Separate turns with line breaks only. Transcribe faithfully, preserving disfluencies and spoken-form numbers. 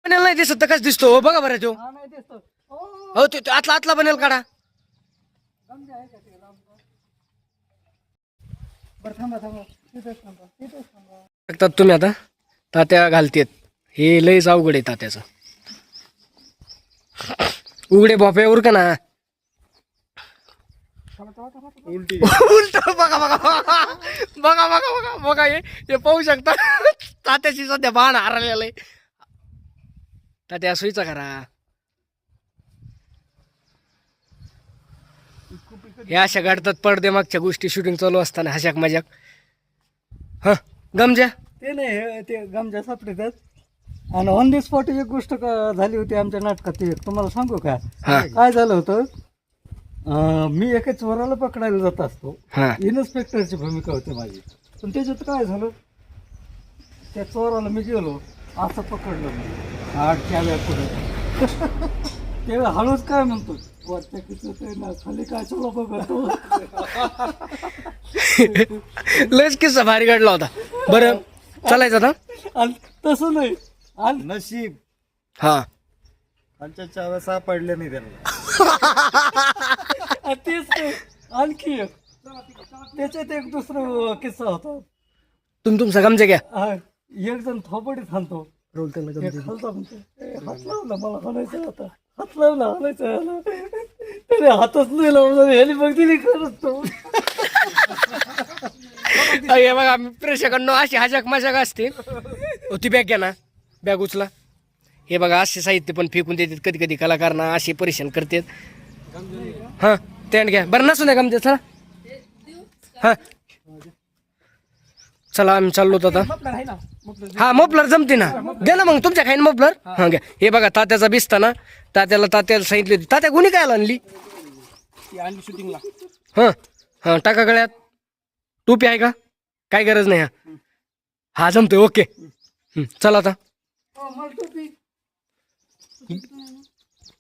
बनेल नाही दिसत तर कस दिसतो हो बघा बरं तो
हा नाही दिसतो ओ
हो तो तो आतला आतला बनेल काढा
गमजे आहे का ते लांब? बरं थांबा थांबा तिथेच थांबा तिथेच थांबा.
बघतात तुम्ही आता तात्या घालतेत हे लयच अवघड आहे तात्याचं उघडे भोपे उरका ना
थांबा थांबा थांबा थांबा.
उलटी
उलट बघा बघा बघा बघा बघा बघा बघा हे हे पाहू शकता तात्याची सध्या बाण हरलेलं आहे तात्या सुईचा करा हे अशा घडतात पडदे मागच्या गोष्टी शूटिंग चालू असताना हशाक मजाक हा गमजा
ते नाही हे ते गमजा सापडतात आणि ऑन दी स्पॉट एक गोष्ट क- झाली होती आमच्या नाटकात ती एक तुम्हाला सांगू का
हा.
काय झालं होतं अं, मी एका चोराला पकडायला जात असतो
हा
इन्स्पेक्टरची भूमिका होती माझी पण त्याच्यात काय झालं त्या चोराला मी गेलो असं पकडलं मी आठच्या व्या पुढे तेव्हा हळूच काय म्हणतो वरच्या किचत आहे ना खाली काय चला बघतो
लयच किस्सा भारी घडला होता बरं चालायचं आता
आणि तसं नाही आणि
नशीब
हा
आमच्या चाव्या सापडल्या नाही त्यांना
आणि तेच नाही आणखी एक त्याच्यात एक दुसरं किस्सा होता
तुम्ही तुमचा गमजा घ्या
हा, एक जण थोपडीत हाणतो
रोल त्यांना
एक
गमजा
खालचा म्हणतो "ए, हात लावला मला हाणायचा होता हात लावला हाणायचा याला त्याने हातच नाही लावला ह्याने मग दिली खरंच तो
हे बघा प्रेक्षकांनो अशी हजाक मजाक असते हो, ती बॅग घ्या ना बॅग उचला हे बघा असे साहित्य पण फेकून देतात कधी कधी कलाकारांना असे परेशान करतात हा टेंट घ्या बरं नसू नये गमजा चला हा चला आम्ही चाललो होतो आता
आहे ना
हा मफलर जमते ना द्या ना मग तुमच्या खाईन मफलर हा घ्या हे बघा तात्याचा बिस्ता ना तात्याला तात्याला सांगितली होती तात्या गुन्हे काय आणली
आणली शूटिंगला
हा हा टाका गळ्यात टोपी आहे का काय गरज नाही हा हा जमतोय ओके हं, चला आता
मला टोपी